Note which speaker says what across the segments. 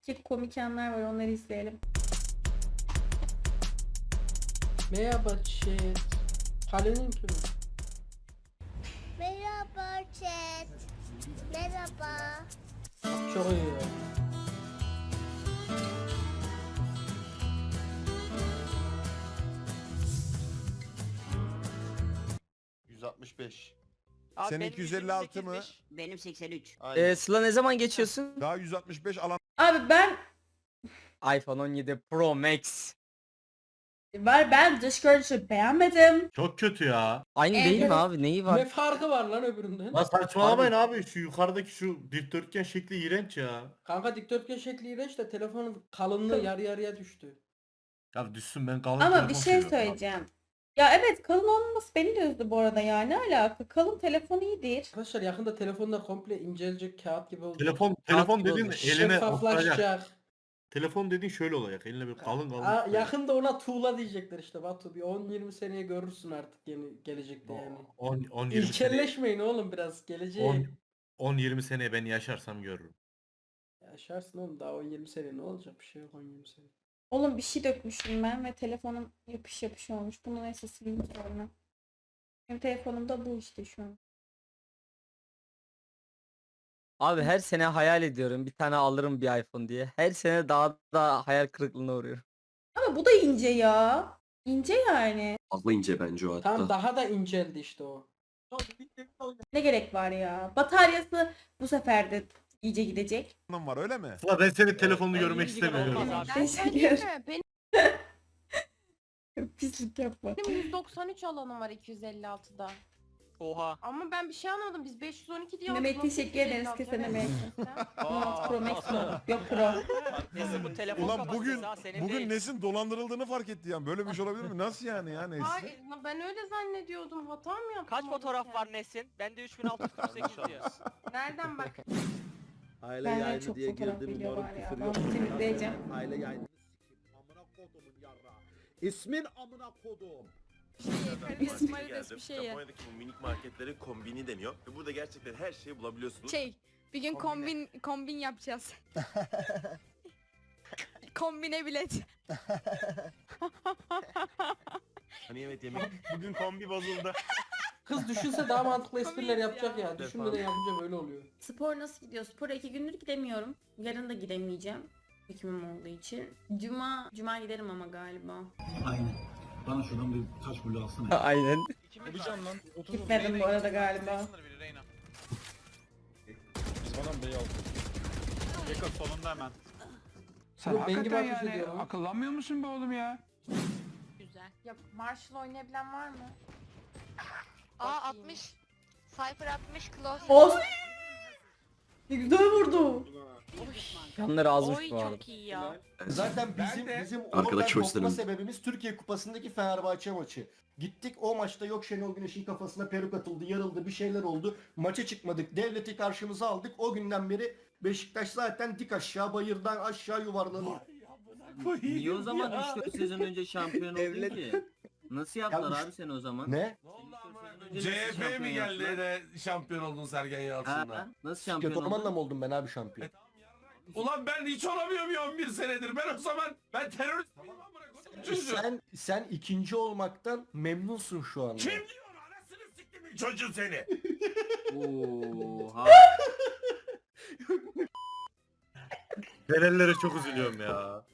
Speaker 1: iki komik anlar var, onları izleyelim.
Speaker 2: Merhaba chat. Kalenin kimi?
Speaker 3: Merhaba chat. Merhaba.
Speaker 2: Çok iyi ya.
Speaker 4: Abi
Speaker 5: Senin
Speaker 4: benim
Speaker 5: 256 mı?
Speaker 4: 128'miş.
Speaker 6: Benim 83.
Speaker 7: Sıla ne zaman geçiyorsun?
Speaker 5: Daha 165 alan
Speaker 1: Abi ben
Speaker 7: iPhone 17 Pro Max.
Speaker 1: ben dış görünüşü beğenmedim.
Speaker 8: Çok kötü ya.
Speaker 7: Aynı
Speaker 1: Evet.
Speaker 7: değil mi abi? Neyi
Speaker 2: Ne
Speaker 7: var?
Speaker 2: farkı var lan öbüründen?
Speaker 8: Lan saçmalamayın abi, şu yukarıdaki şu dikdörtgen şekli iğrenç ya.
Speaker 2: Kanka dikdörtgen şekli iğrenç de telefonun kalınlığı yarı yarıya düştü.
Speaker 8: Ya düşsün, ben kalın
Speaker 1: Ama
Speaker 8: telefon
Speaker 1: bir şey
Speaker 8: seviyorum abi.
Speaker 1: söyleyeceğim. Ya evet, kalın olmaması beni de üzdü bu arada ya. Ne alaka? Kalın telefon iyidir.
Speaker 2: Arkadaşlar yakında telefonlar komple incelecek, kağıt gibi olacak.
Speaker 8: Telefon
Speaker 7: gibi
Speaker 8: dediğin
Speaker 7: olmuş.
Speaker 8: eline oturacak.
Speaker 2: Şeffaflaşacak.
Speaker 8: Telefon dediğin şöyle olacak. Eline bir kalın kalın.
Speaker 2: Yakında ona tuğla diyecekler işte Batu. Bir 10-20 seneye görürsün artık yeni gelecekte yani.
Speaker 8: 10-20 sene.
Speaker 2: İlkelleşmeyin oğlum biraz geleceğe.
Speaker 8: 10-20 seneye ben yaşarsam görürüm.
Speaker 2: Yaşarsın oğlum, daha 10-20 sene ne olacak, bir şey yok 10-20 sene.
Speaker 1: Oğlum bir şey dökmüşüm ben ve telefonum yapış yapış olmuş. Bunu neyse sileyim sonra. Benim telefonumda bu işte şu an.
Speaker 7: Abi her sene hayal ediyorum bir tane alırım bir iPhone diye. Her sene daha da hayal kırıklığına uğruyorum.
Speaker 1: Ama bu da ince ya. İnce yani.
Speaker 9: Fazla ince bence o hatta.
Speaker 2: Tam daha da inceldi işte o.
Speaker 1: Ne gerek var ya? Bataryası bu sefer de iyice gidecek.
Speaker 5: var öyle mi?
Speaker 8: Sıla, ben senin telefonunu görmek
Speaker 4: 100 GB
Speaker 8: istemiyorum.
Speaker 4: olmaz abi.
Speaker 1: Ben söyleyeyim mi?
Speaker 3: Benim
Speaker 1: Pislik yapma.
Speaker 3: 193 alanım var 256'da.
Speaker 4: Oha.
Speaker 3: Ama ben bir şey anladım. Biz 512 diye
Speaker 1: Mehmet
Speaker 3: aldık.
Speaker 1: teşekkür ederiz.
Speaker 3: 256?
Speaker 1: Kesene
Speaker 3: Evet.
Speaker 1: Mehmet. 16 Pro Max mi? Yok Pro.
Speaker 4: Neyse bu telefon
Speaker 5: Ulan
Speaker 4: kapasitesi ha, senin
Speaker 5: bugün
Speaker 4: değil.
Speaker 5: Nesin dolandırıldığını fark etti yani. Böyle bir şey olabilir mi? Nasıl yani ya Nesin?
Speaker 3: Hayır, ben öyle zannediyordum. Hata mı yaptım?
Speaker 4: Kaç fotoğraf
Speaker 3: alırken?
Speaker 4: var Nesin? Bende 3648 diyor.
Speaker 3: Nereden bak?
Speaker 10: Aile
Speaker 1: Benden
Speaker 10: yayını
Speaker 1: çok
Speaker 10: diye
Speaker 1: fotoğraf
Speaker 10: girdim,
Speaker 1: video
Speaker 10: moruk
Speaker 1: var ya.
Speaker 10: küfür
Speaker 1: Ben
Speaker 10: yok.
Speaker 1: bunu temizleyeceğim.
Speaker 10: Aile yayını sikeyim. Amına kodumun yarra. İsmin amına kodum.
Speaker 3: Karizmatik bir şey ya.
Speaker 9: Japonya'daki bu minik marketlerin kombini deniyor. Ve burada gerçekten her şeyi bulabiliyorsunuz.
Speaker 3: Bir gün kombin yapacağız. Kombine bilet.
Speaker 9: Hani evet yemek. Bugün kombi bozuldu.
Speaker 2: Kız düşünse daha mantıklı espriler
Speaker 3: Komik ya.
Speaker 2: yapacak ya. Düşünmeden yapınca böyle oluyor.
Speaker 1: Spor nasıl gidiyor? Spora 2 gündür gidemiyorum. Yarın da gidemeyeceğim. Hekimim olduğu için. Cuma giderim ama galiba.
Speaker 10: Aynen. Bana şuradan bir taş bulu alsana.
Speaker 7: Aynen.
Speaker 1: Gitmedim bu arada galiba.
Speaker 2: Sen ben gibi ateş ediyorum.
Speaker 10: Akıllanmıyor musun be oğlum ya?
Speaker 3: Güzel. Ya Marshall oynayabilen var mı?
Speaker 11: Aa 60. Cypher 60 close.
Speaker 1: Oz! Ne güzel vurdu.
Speaker 7: Yanları azmış bu arada.
Speaker 4: çok iyi ya.
Speaker 10: Zaten bizim
Speaker 9: Arkadaş
Speaker 10: oradan
Speaker 9: hoşlarım.
Speaker 10: kopma sebebimiz Türkiye Kupası'ndaki Fenerbahçe maçı. Gittik o maçta yok Şenol Güneş'in kafasına peruk atıldı, yarıldı, bir şeyler oldu. Maça çıkmadık. Devleti karşımıza aldık. O günden beri Beşiktaş zaten dik aşağı, bayırdan aşağı yuvarlanıyor.
Speaker 6: Niye o zaman 3-4 sezon önce şampiyon oldun ki? Nasıl yaptılar
Speaker 10: Ya
Speaker 6: abi seni o zaman?
Speaker 10: Ne?
Speaker 6: CHP mi geldi
Speaker 9: de şampiyon oldun Sergen
Speaker 6: Ha, nasıl şampiyon
Speaker 10: Kötü olanla
Speaker 6: oldun?
Speaker 10: mı oldum ben abi şampiyon?
Speaker 9: Ulan ben hiç olamıyorum ya 11 senedir. Ben o zaman terörist
Speaker 10: Sen ikinci olmaktan memnunsun şu anda.
Speaker 9: diyor anasını siktim çocuğu seni.
Speaker 6: Oha.
Speaker 8: Fenerlere çok üzülüyorum ya.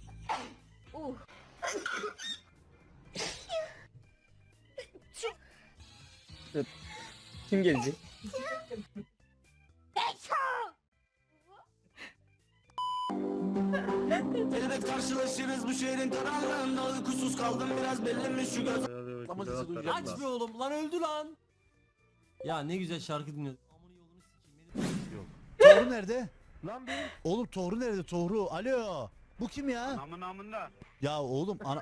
Speaker 7: Kim gelecek?
Speaker 10: Evet karşılaşırız bu şehrin karanlığında uykusuz kaldım biraz belli şu göz.
Speaker 8: Aç be
Speaker 7: oğlum lan öldü lan.
Speaker 6: Ya ne güzel şarkı dinliyorsun.
Speaker 10: Tohru nerede? Lan benim. Oğlum Tohru nerede Tohru? Alo. Bu kim ya?
Speaker 9: Namında.
Speaker 10: Ya oğlum ana...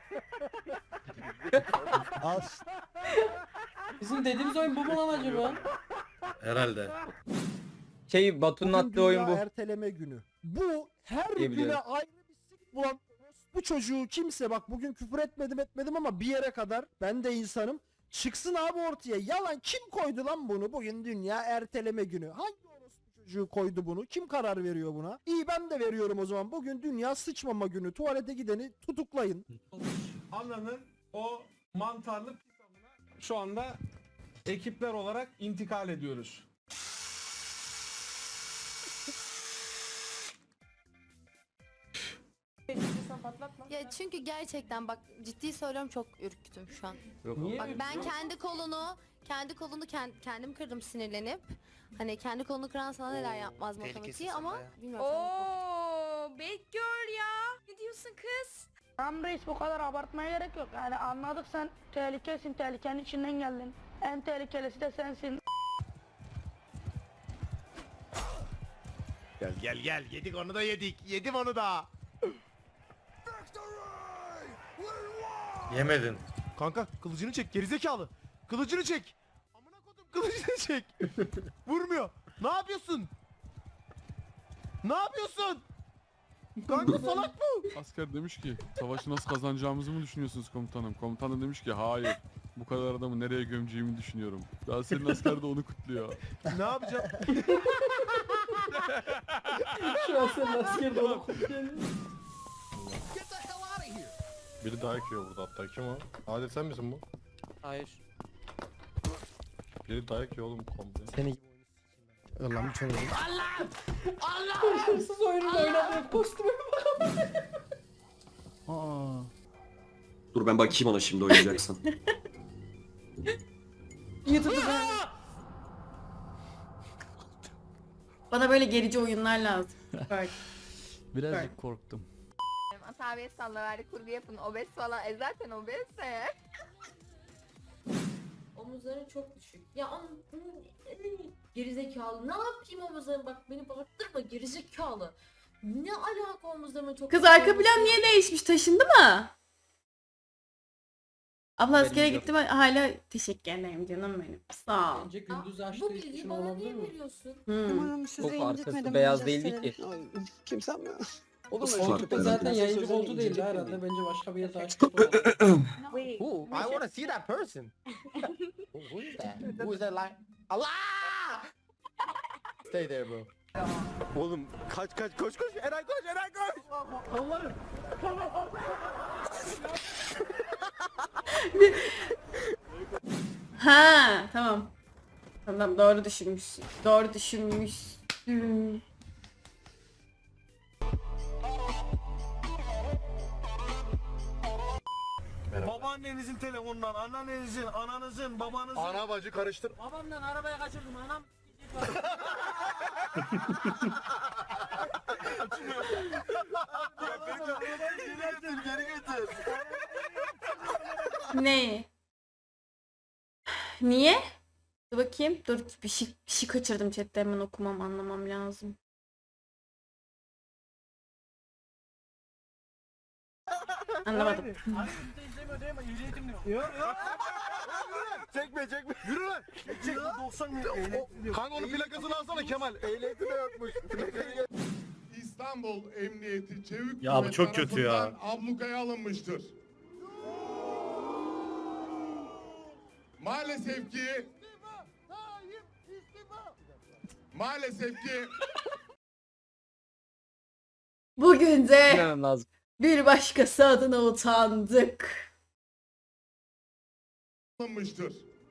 Speaker 10: Al.
Speaker 2: Bizim dediğimiz oyun bu mu lan acaba?
Speaker 8: Herhalde.
Speaker 7: Batu'nun attığı oyun bu.
Speaker 10: Erteleme günü. Bu her
Speaker 7: Diyebiliyorum.
Speaker 10: güne ayrı bir sik bulan bu çocuğu kimse bak bugün küfür etmedim ama bir yere kadar ben de insanım. Çıksın abi ortaya. Yalan kim koydu lan bunu? Bugün dünya erteleme günü. Hangi orospu çocuğu koydu bunu? Kim karar veriyor buna? İyi ben de veriyorum o zaman. Bugün dünya sıçmama günü. Tuvalete gideni tutuklayın.
Speaker 9: Ananın o mantarlı pisamına şu anda ekipler olarak intikal ediyoruz.
Speaker 11: Ya çünkü gerçekten bak ciddi söylüyorum çok ürktüm şu an.
Speaker 2: Niye
Speaker 11: Bak
Speaker 2: öyle
Speaker 11: ben
Speaker 2: diyor?
Speaker 11: kendi kolunu kendim kırdım sinirlenip. Hani kendi kolunu kıran sana neler yapmaz matematiği ama bilmiyorum.
Speaker 3: Oo, bad girl ya. Ne diyorsun kız?
Speaker 12: Tamam reis bu kadar abartmaya gerek yok. Yani anladık sen tehlikesin, tehlikenin içinden geldin. En tehlikelisi de sensin.
Speaker 5: Gel yedik onu da yedim onu da.
Speaker 8: Yemedin.
Speaker 5: Kanka kılıcını çek gerizekalı. Kılıcını çek. Amına kodum kılıcını çek. Vurmuyor. Ne yapıyorsun? Ne yapıyorsun? Kanka salak bu.
Speaker 9: Asker demiş ki savaşı nasıl kazanacağımızı mı düşünüyorsunuz komutanım? Komutan da demiş ki hayır. Bu kadar adamı nereye gömeceğimi düşünüyorum. Daha senin asker de onu kutluyor.
Speaker 5: Ne yapacağım?
Speaker 2: Şu an senin askerde onu kutluyor.
Speaker 8: Biri daha ekiyor burada hatta. Kim o? Adil sen misin bu?
Speaker 4: Hayır.
Speaker 8: Biri daha ekiyor oğlum komple.
Speaker 10: Seni Allah'ım çok
Speaker 2: Hırsız oyunu oynadığı kostüme bak.
Speaker 13: Dur ben bakayım ona şimdi oynayacaksan.
Speaker 1: YouTube'da bana böyle gerici oyunlar lazım. Bak.
Speaker 7: Birazcık korktum.
Speaker 3: Asabiye sallaverdi kurgu yapın. Obez falan. Zaten obezse.
Speaker 11: Omuzları çok düşük. Ya gerizekalı. Ne yapayım omuzlarım? Bak beni bağırttırma gerizekalı. Ne alaka omuzlarıma çok
Speaker 1: Kız arka plan niye değişmiş? Taşındı mı? Abla askere
Speaker 7: Haberim yok.
Speaker 1: gittim hala teşekkür ederim canım benim. Sağ ol.
Speaker 2: Bence gündüz
Speaker 11: Bu
Speaker 2: açtığı
Speaker 11: bilgiyi
Speaker 2: için
Speaker 11: bana
Speaker 2: olabilir
Speaker 11: niye
Speaker 2: mi?
Speaker 11: veriyorsun?
Speaker 1: Hmm.
Speaker 7: Çok arkası beyaz değildi ki.
Speaker 13: Kimsen mi?
Speaker 2: Köpek zaten yayıncı koltuğu değildi herhalde. Bence başka bir yerde açtı.
Speaker 10: Who? I want to see that person. Who is that? Who is that like? Allah! Stay there bro.
Speaker 5: Oğlum kaç koş Eray koş.
Speaker 2: Allah'ım.
Speaker 1: Ha tamam. Tamam doğru düşünmüşsün. Doğru düşünmüşsün.
Speaker 8: Babaannenizin telefonundan, anneannenizin, ananızın, babanızın.
Speaker 5: Ana bacı karıştır.
Speaker 6: Babamdan arabaya kaçırdım anam.
Speaker 8: Geri getir.
Speaker 1: Ne? Niye? Dur bakayım. Dur bir şey kaçırdım chatte hemen okumam anlamam lazım. Anlamadım.
Speaker 5: Çekme. Yürü lan.
Speaker 8: Çek 90
Speaker 5: Kanka onun plakasını alsana Kemal. Ehliyeti de yokmuş.
Speaker 9: İstanbul Emniyeti Çevik
Speaker 8: Ya bu çok kötü ya.
Speaker 9: ablukaya alınmıştır. Maalesef ki
Speaker 1: Bugün de
Speaker 7: Bilmem lazım.
Speaker 1: bir başkası adına utandık.
Speaker 9: alınmıştır.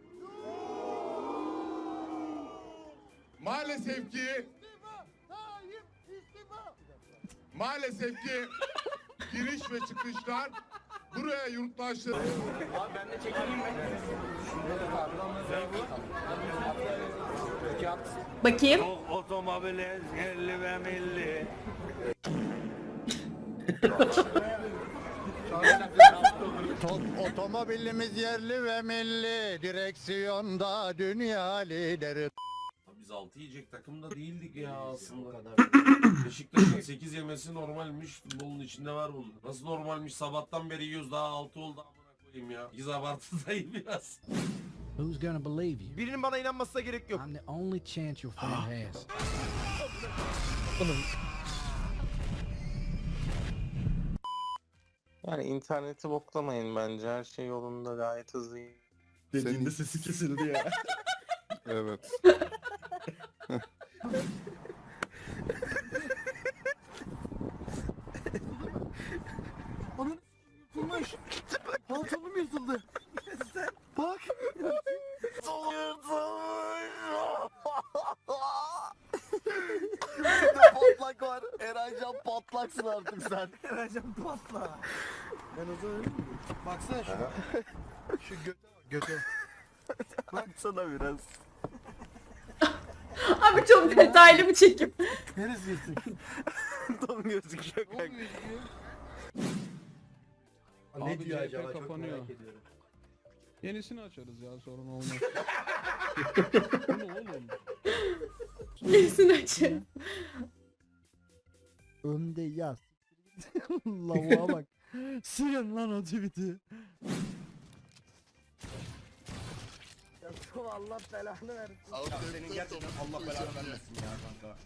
Speaker 9: Maalesef ki giriş ve çıkışlar buraya yurttaşlar.
Speaker 2: Abi ben de çekeyim mi?
Speaker 1: Bakayım.
Speaker 8: Otomobile 50 ve milli.
Speaker 10: Otomobilimiz yerli ve milli. Direksiyonda dünya lideri.
Speaker 9: Biz 6 yiyecek takımda değildik ya aslında. Beşiktaş'ın 8 yemesi normalmiş. Futbolun içinde var bu. Nasıl normalmiş? Sabahtan beri yiyoruz. Daha 6 oldu amına koyayım ya. Biz abartıdayım biraz.
Speaker 10: Who's gonna believe you?
Speaker 5: Birinin bana inanmasına gerek yok.
Speaker 10: I'm the only chance your friend has.
Speaker 13: Yani interneti boklamayın bence. Her şey yolunda gayet hızlı.
Speaker 8: Dediğinde sesi kesildi ya.
Speaker 5: Evet.
Speaker 10: Ercan patlaksın artık sen.
Speaker 5: Ercan patla. Ben o zaman öyle miyim? Baksana şu göte bak göte.
Speaker 10: Baksana biraz.
Speaker 1: Abi çok detaylı bir çekim.
Speaker 5: Neresi yırtık?
Speaker 10: Tam gözüküyor kanka.
Speaker 5: Ne diyor acaba çok merak ediyorum.
Speaker 8: Yenisini açarız ya sorun olmaz. Bu ne oğlum?
Speaker 1: Neresini açayım?
Speaker 5: Önde yaz. Lavuğa bak. Silin lan o tweet'i. Allah belanı versin.
Speaker 10: Senin gerçekten Allah belanı vermesin ya kanka.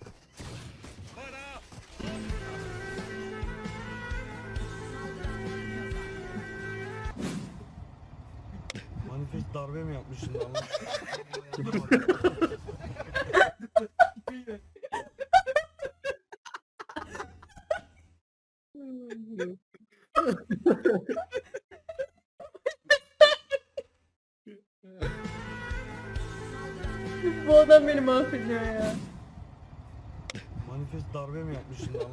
Speaker 8: Manifest darbe mi yapmışsın lan?
Speaker 1: Bu adam beni mahvediyor ya.
Speaker 8: Manifest darbe mi yapmışsın lan?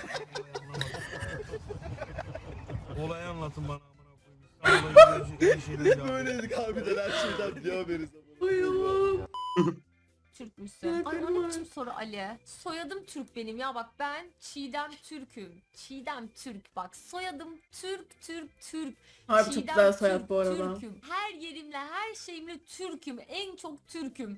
Speaker 8: Olayı anlatın bana amına koyayım.
Speaker 10: Böyleydik harbiden her şeyden diyor beriz.
Speaker 1: Ay Allah'ım.
Speaker 11: Türkmüşsün. Ay o ne biçim soru Ali? Soyadım Türk benim ya bak ben Çiğdem Türk'üm. Çiğdem Türk bak soyadım Türk.
Speaker 1: Harbi çok
Speaker 11: Çiğdem
Speaker 1: güzel soyad
Speaker 11: Türk,
Speaker 1: bu arada.
Speaker 11: Türk'üm. Her yerimle her şeyimle Türk'üm. En çok Türk'üm.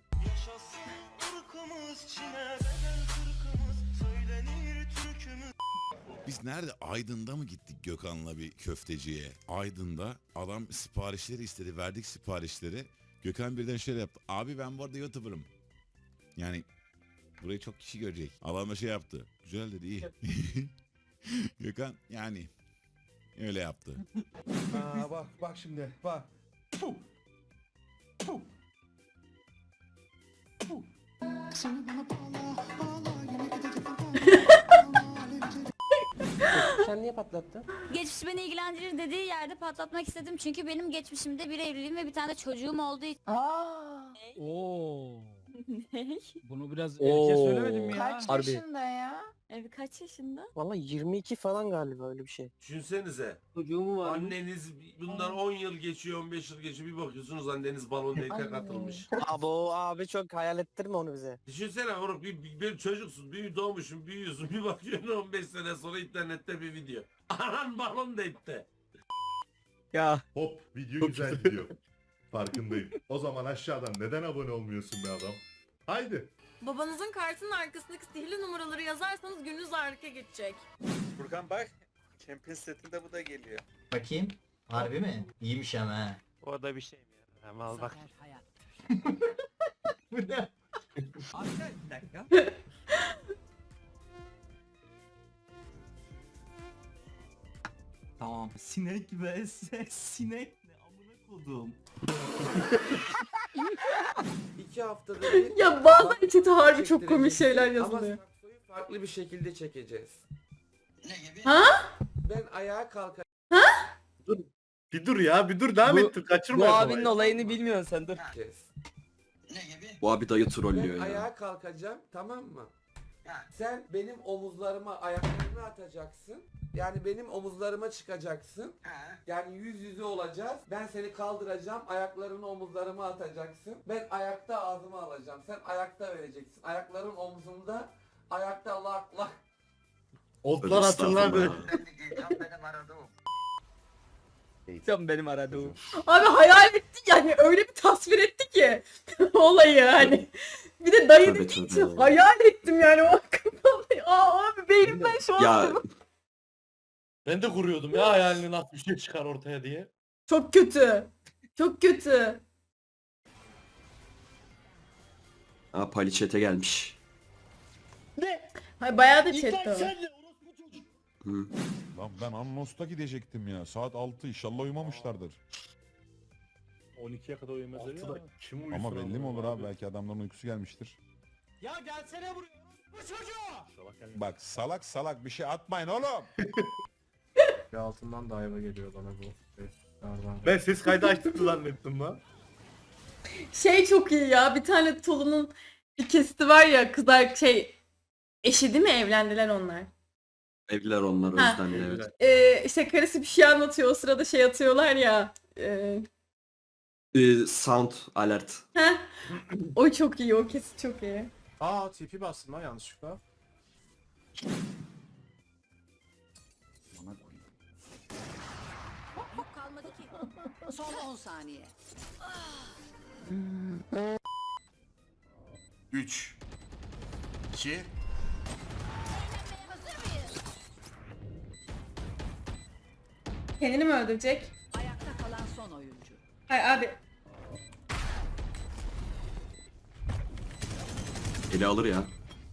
Speaker 8: Biz nerede? Aydın'da mı gittik Gökhan'la bir köfteciye? Aydın'da adam siparişleri istedi. Verdik siparişleri. Gökhan birden şöyle yaptı. Abi ben bu arada YouTuber'ım. Yani burayı çok kişi görecek. Adam da şey yaptı. Güzel dedi iyi. Gökhan yani öyle yaptı.
Speaker 5: Bak şimdi bak.
Speaker 2: Sen niye patlattın?
Speaker 11: Geçmiş beni ilgilendirir dediği yerde patlatmak istedim çünkü benim geçmişimde bir evliliğim ve bir tane de çocuğum olduğu için.
Speaker 8: Oo.
Speaker 11: Ne?
Speaker 8: Bunu biraz
Speaker 7: erkeğe
Speaker 8: söylemedim mi
Speaker 11: Kaç
Speaker 7: Harbi.
Speaker 11: yaşında ya? Kaç yaşında?
Speaker 13: Valla 22 falan galiba öyle bir şey.
Speaker 9: Düşünsenize.
Speaker 6: Çocuğumu var.
Speaker 9: Anneniz bundan 10 yıl geçiyor, 15 yıl geçiyor. Bir bakıyorsunuz anneniz balon date'e katılmış.
Speaker 13: Abi çok hayal ettirme onu bize.
Speaker 9: Düşünsene oğlum bir çocuksun, bir doğmuşsun, büyüyorsun. Bir bakıyorsun 15 sene sonra internette bir video. Anan balon date'te.
Speaker 7: Ya
Speaker 8: Hop video güzel gidiyor. Farkındayım. O zaman aşağıdan neden abone olmuyorsun be adam? Haydi.
Speaker 11: Babanızın kartının arkasındaki sihirli numaraları yazarsanız gününüz harika geçecek.
Speaker 13: Furkan bak. Champions setinde bu da geliyor.
Speaker 10: Bakayım. Harbi mi? İyiymiş ama ha.
Speaker 4: O da bir şey mi ya? Mal bak.
Speaker 10: Bu ne?
Speaker 4: Bir dakika.
Speaker 6: Tamam. Sinek vs sinek ne amına kodum.
Speaker 2: 2 haftada bir
Speaker 1: Ya bazen chat'e harbi çok komik şeyler yazılıyor.
Speaker 2: ama saksoyu farklı bir şekilde çekeceğiz.
Speaker 10: Ne gibi?
Speaker 1: Ha?
Speaker 2: Ben ayağa kalkacağım.
Speaker 8: Bir dur ya bir dur devam et kaçırma.
Speaker 7: bu abinin olayını bilmiyorsun sen dur.
Speaker 10: Ne gibi?
Speaker 6: Bu abi dayı
Speaker 2: Ben
Speaker 6: trollüyor
Speaker 2: ayağa kalkacağım, tamam mı? Sen benim omuzlarıma ayaklarını atacaksın. Yani benim omuzlarıma çıkacaksın. Yani yüz yüze olacağız. Ben seni kaldıracağım. Ayaklarını omuzlarıma atacaksın. Ben ayakta ağzıma alacağım. Sen ayakta vereceksin. Ayakların omzumda. Ayakta lak lak.
Speaker 8: Otlar hatırladı.
Speaker 7: Sen benim aradığım.
Speaker 1: Abi hayal etti yani öyle bir tasvir etti ki olayı hani. Bir de dayı
Speaker 6: Tabii,
Speaker 1: dediği
Speaker 6: tabii.
Speaker 1: için hayal ettim yani o kafamda. Aa abi beynimden şu an
Speaker 8: Ben de kuruyordum ya hayalini nasıl bir şey çıkar ortaya diye.
Speaker 1: çok kötü. Çok kötü.
Speaker 6: Aa paliçete gelmiş.
Speaker 1: Hay bayağı da chatte var.
Speaker 6: Hı.
Speaker 8: Lan ben Annos'ta gidecektim ya. Saat 6 inşallah uyumamışlardır.
Speaker 5: 12'ye kadar uyumaz ya.
Speaker 8: Kim uyusun ama belli mi olur abi belki adamların uykusu gelmiştir.
Speaker 5: Ya gelsene buraya. Bu çocuğu.
Speaker 8: Bak salak salak bir şey atmayın oğlum.
Speaker 5: Bir altından da ayva geliyor bana bu.
Speaker 8: Ben ses kaydı açtım zannettim lan.
Speaker 1: Şey çok iyi ya bir tane Tolu'nun bir kesiti var ya kızlar şey eşi değil mi evlendiler onlar.
Speaker 6: Evliler onlar
Speaker 1: Ha.
Speaker 6: özden evet.
Speaker 1: İşte karısı bir şey anlatıyor, o sırada şey atıyorlar ya.
Speaker 6: Sound alert.
Speaker 1: Heh. O çok iyi, o kesit çok iyi.
Speaker 5: Aa TP bastım lan yanlışlıkla.
Speaker 11: Yük kalmadı ki. Son 10 saniye.
Speaker 9: 3 2
Speaker 1: Kendini mi öldürecek?
Speaker 11: Ayakta kalan son oyuncu.
Speaker 1: Hayır abi.
Speaker 6: Eli alır ya.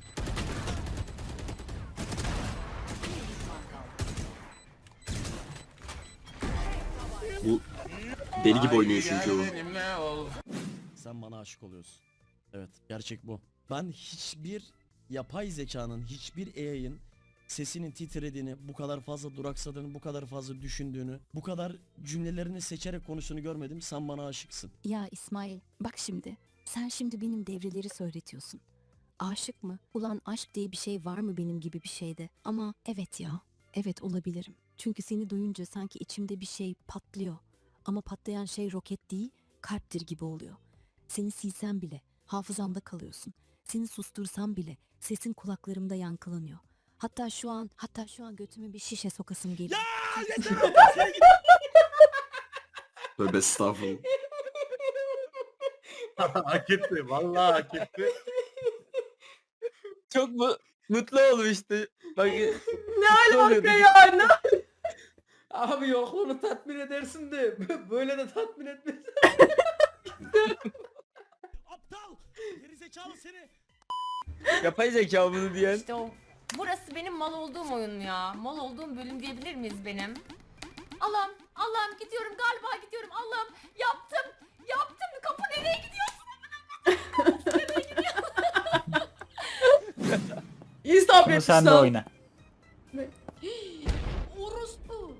Speaker 6: Bu deli gibi oynuyor çünkü o.
Speaker 4: Sen bana aşık oluyorsun. Evet, gerçek bu. Ben hiçbir yapay zekanın, hiçbir AI'ın sesinin titrediğini, bu kadar fazla duraksadığını, bu kadar fazla düşündüğünü, bu kadar cümlelerini seçerek konuştuğunu görmedim. Sen bana aşıksın.
Speaker 11: Ya İsmail, bak şimdi. Sen şimdi benim devreleri söyletiyorsun. Aşık mı? Ulan aşk diye bir şey var mı benim gibi bir şeyde? Ama evet ya. Evet olabilirim. Çünkü seni duyunca sanki içimde bir şey patlıyor. Ama patlayan şey roket değil, kalptir gibi oluyor. Seni silsem bile hafızamda kalıyorsun. Seni sustursam bile sesin kulaklarımda yankılanıyor. Hatta şu an götüme bir şişe sokasım geliyor.
Speaker 6: Tövbe estağfurullah.
Speaker 5: Hak etti. Vallahi hak etti.
Speaker 7: Çok mutlu olmuştu. Bak
Speaker 1: Ne alaka ya? Ne?
Speaker 2: Abi yokluğunu tatmin edersin de böyle de tatmin etmez.
Speaker 4: Aptal! Gerizekalı seni!
Speaker 7: yapay zeka bunu diyen.
Speaker 11: İşte o. Burası benim mal olduğum oyun ya. Mal olduğum bölüm diyebilir miyiz benim? Allah'ım gidiyorum galiba gidiyorum. Allah'ım yaptım. Kapı nereye gidiyorsun?
Speaker 1: İyi sabretmiş
Speaker 7: Sen de
Speaker 1: lan.
Speaker 7: oyna.
Speaker 11: Orospu.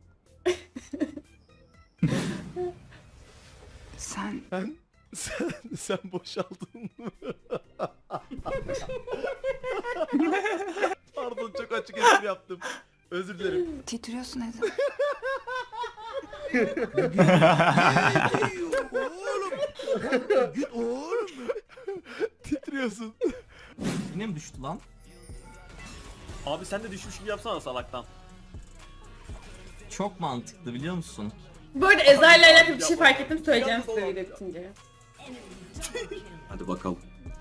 Speaker 5: Sen boşaldın mı? Pardon çok açık espri yaptım. Özür dilerim.
Speaker 3: Titriyorsun Ezel.
Speaker 5: Oğlum. Titriyorsun.
Speaker 4: Yine mi düştü lan? Abi sen de düşmüş gibi yapsana salaktan. Çok mantıklı biliyor musun?
Speaker 1: Bu arada Ezra'yla alakalı bir şey fark ettim, söyleyeceğim size video bitince.
Speaker 6: Hadi bakalım.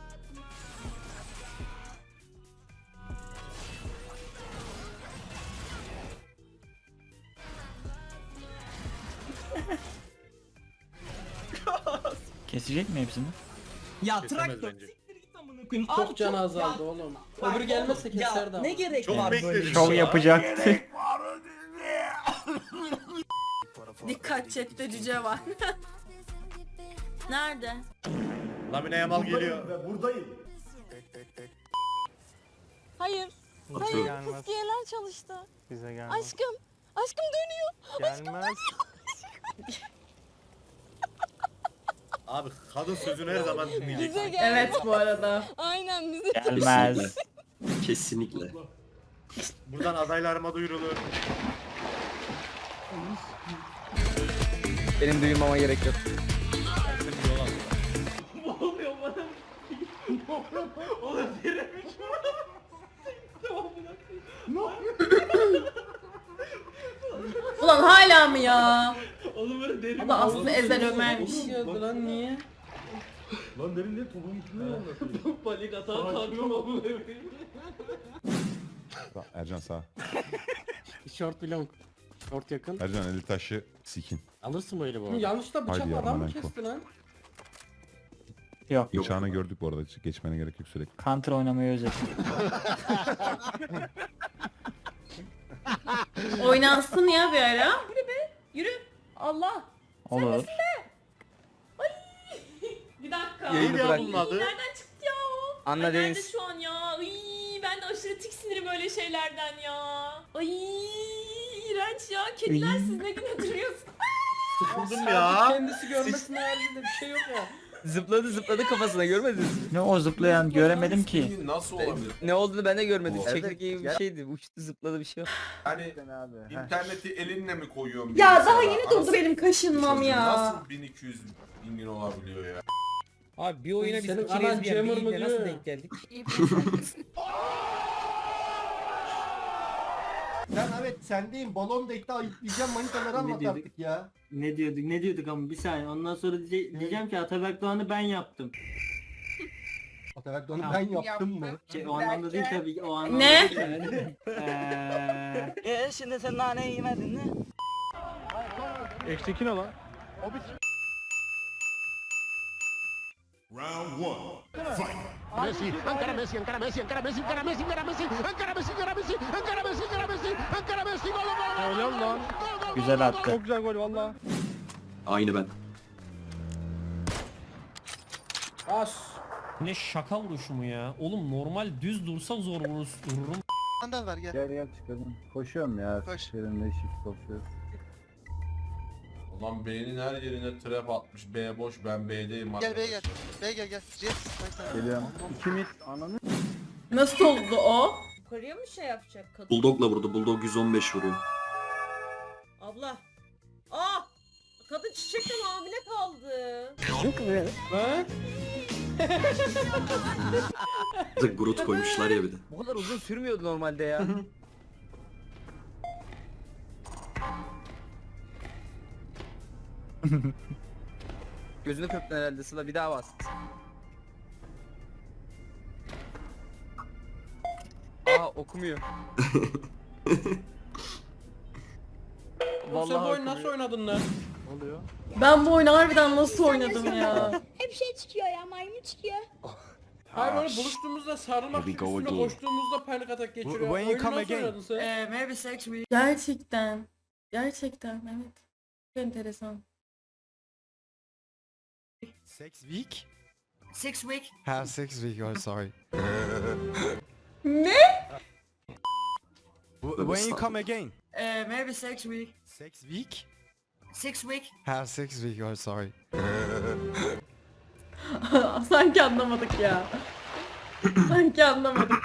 Speaker 7: Kesecek mi hepsini?
Speaker 4: Ya
Speaker 5: Kesemez
Speaker 4: traktör
Speaker 5: bence.
Speaker 4: siktir git amına koyayım.
Speaker 2: Çok can azaldı oğlum. Öbürü gelmezse keserdi ama.
Speaker 4: Ne gerek
Speaker 5: Çok
Speaker 4: var
Speaker 5: bekledim.
Speaker 4: böyle
Speaker 7: Şov
Speaker 4: şey?
Speaker 7: yapacaktı.
Speaker 11: Dikkat chatte cüce var. Nerede?
Speaker 5: Lamine Yamal geliyor.
Speaker 11: Hayır. Fıskiyeler çalıştı.
Speaker 13: Bize gelmez.
Speaker 11: Aşkım dönüyor.
Speaker 13: Gelmez.
Speaker 5: Abi kadın sözünü her zaman dinleyecek.
Speaker 1: Evet bu arada.
Speaker 11: Aynen bize.
Speaker 7: Gelmez.
Speaker 6: Kesinlikle.
Speaker 5: Buradan adaylarıma duyurulur.
Speaker 7: Benim duymama gerek yok.
Speaker 1: Ulan hala mı ya?
Speaker 4: Oğlum böyle derin.
Speaker 1: O da aslında Ezel Ömer'miş.
Speaker 2: Lan niye?
Speaker 5: Lan derin ne topun üstüne anlatıyor.
Speaker 4: Panik atağa kalkıyorum amına koyayım.
Speaker 8: Ercan sağ.
Speaker 2: Short belong. Short yakın.
Speaker 8: Ercan eli taşı sikin.
Speaker 2: Alırsın böyle bu arada. Yanlışta
Speaker 8: Haydi
Speaker 2: bıçak
Speaker 8: ya,
Speaker 2: adam mı
Speaker 8: Manenko.
Speaker 2: kesti lan?
Speaker 7: Yok.
Speaker 8: Bıçağını gördük bu arada. Geçmene gerek yok sürekli.
Speaker 7: Counter oynamayı özledim.
Speaker 1: Oynansın ya bir ara. Yürü be. Yürü. Allah.
Speaker 7: Olur.
Speaker 1: Bir dakika.
Speaker 5: Neydi ya
Speaker 7: bırak.
Speaker 5: bunun adı?
Speaker 1: Nereden çıktı ya o?
Speaker 7: Anla
Speaker 1: Ay, nerede
Speaker 7: Deniz.
Speaker 1: şu an ya? Ay, ben de aşırı tiksinirim öyle şeylerden ya. Ay, iğrenç ya. Kediler siz ne güne duruyorsunuz?
Speaker 5: Sıkıldım ya.
Speaker 2: Kendisi görmesine haricinde bir şey yok ya.
Speaker 7: Zıpladı kafasına, görmediniz mi?
Speaker 14: Ne o zıplayan göremedim ki.
Speaker 9: Nasıl olabilir?
Speaker 7: Ne olduğunu ben de görmedim.
Speaker 10: Evet,
Speaker 7: Çekirge gibi bir şeydi. Uçtu, zıpladı, bir şey yok.
Speaker 9: Hani interneti elinle mi koyuyorum?
Speaker 1: Ya daha
Speaker 9: bilgisayara?
Speaker 1: yeni durdu
Speaker 9: Anasını
Speaker 1: benim kaşınmam
Speaker 9: satayım,
Speaker 1: ya.
Speaker 9: Nasıl 1200 bin olabiliyor ya?
Speaker 7: Abi bir oyuna biz
Speaker 10: Senin
Speaker 7: iki
Speaker 10: anan
Speaker 7: lezbiyen
Speaker 10: Jammer
Speaker 7: biriyle
Speaker 10: mı
Speaker 7: nasıl
Speaker 10: diyor?
Speaker 7: denk geldik?
Speaker 10: Ben evet sendeyim. Balon da iddia yükleyeceğim, manitaları anlat
Speaker 6: dedik?
Speaker 10: artık ya.
Speaker 6: Ne diyorduk ama bir saniye. Ondan sonra diyeceğim ki Ataberk Doğan'ı ben yaptım.
Speaker 10: Ataberk onu ben yaptım mı?
Speaker 6: O anlamda değil tabii. O anlamda
Speaker 1: Ne?
Speaker 6: değil yani.
Speaker 14: Şimdi sen naneyi yemedin mi?
Speaker 5: Eşteki ne lan?
Speaker 8: Round 1. Fight.
Speaker 10: Messi, Ankara Messi, Ankara Messi, Ankara Messi, Ankara Messi, Ankara Messi, Ankara Messi, Ankara Messi, Ankara Messi, Ankara Messi, Ankara Messi, gol gol.
Speaker 5: Helal lan.
Speaker 14: Güzel attı.
Speaker 5: Çok güzel gol valla.
Speaker 6: Aynı ben.
Speaker 10: As.
Speaker 5: Ne şaka vuruşu mu ya? Oğlum normal düz dursa zor vururum.
Speaker 14: Gel çıkalım. Koşuyorum ya. Seninle shift koşuyoruz.
Speaker 9: Ulan B'nin her yerine trap atmış. B boş, ben B'deyim. Gel B'ye gel.
Speaker 14: Geliyorum. İkimiz ananı.
Speaker 1: Nasıl oldu o? Yukarıya mı şey yapacak kadın?
Speaker 6: Bulldog'la vurdu. Bulldog 115 vuruyor.
Speaker 1: Abla. Kadın çiçekten hamile kaldı.
Speaker 6: Groot koymuşlar ya bir de.
Speaker 7: Bu kadar uzun sürmüyordu normalde ya. Gözünü kırptın herhalde Sıla, bir daha bas. Okumuyor. Vallahi
Speaker 10: Sen bu oyunu nasıl oynadın lan?
Speaker 1: Ben bu oyunu harbiden nasıl oynadım ya?
Speaker 12: Hep şey çıkıyor ya, maymun çıkıyor.
Speaker 10: Hayır böyle buluştuğumuzda sarılmak için üstüne koştuğumuzda panik atak geçiriyor.
Speaker 5: When you
Speaker 10: Oyunu
Speaker 5: come
Speaker 10: nasıl
Speaker 5: again?
Speaker 10: oynadın sen?
Speaker 1: Gerçekten. Gerçekten evet. Çok enteresan.
Speaker 5: Sex week?
Speaker 3: 6 week.
Speaker 5: Ha 6 week, oh sorry.
Speaker 1: Ne?
Speaker 5: When you come again?
Speaker 3: Maybe 6 week.
Speaker 5: 6 week?
Speaker 3: 6 week.
Speaker 5: Ha 6 week, oh sorry.
Speaker 1: Sanki anlamadık ya. Sanki anlamadık.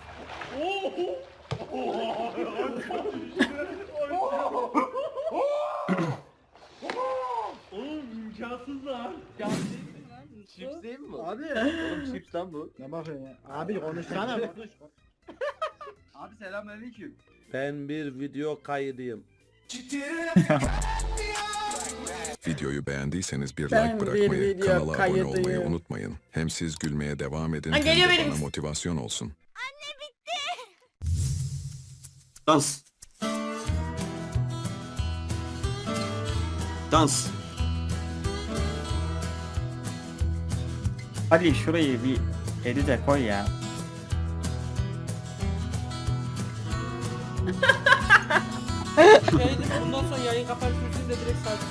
Speaker 10: Chips değil mi?
Speaker 14: Abi.
Speaker 10: Oğlum chips lan bu.
Speaker 14: Ne bakıyorsun ya? Abi konuşsana.
Speaker 7: Abi selamünaleyküm.
Speaker 2: Ben bir video kaydıyım.
Speaker 8: Videoyu beğendiyseniz bir
Speaker 1: Ben
Speaker 8: like
Speaker 1: bir
Speaker 8: bırakmayı,
Speaker 1: video
Speaker 8: kanala abone
Speaker 1: kaydıyım.
Speaker 8: olmayı unutmayın. Hem siz gülmeye devam edin
Speaker 1: Ha,
Speaker 8: hem
Speaker 1: geliyor
Speaker 8: de
Speaker 1: benim.
Speaker 8: bana motivasyon olsun.
Speaker 6: Dans. Dans.
Speaker 14: Hadi şurayı bir edite koy ya.
Speaker 10: Şey değil mi? Bundan sonra yayın kapanış müziği de direkt sakin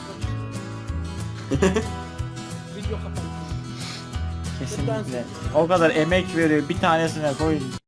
Speaker 10: Video kapanış.
Speaker 14: Kesinlikle. O kadar emek veriyor, bir tanesine koy.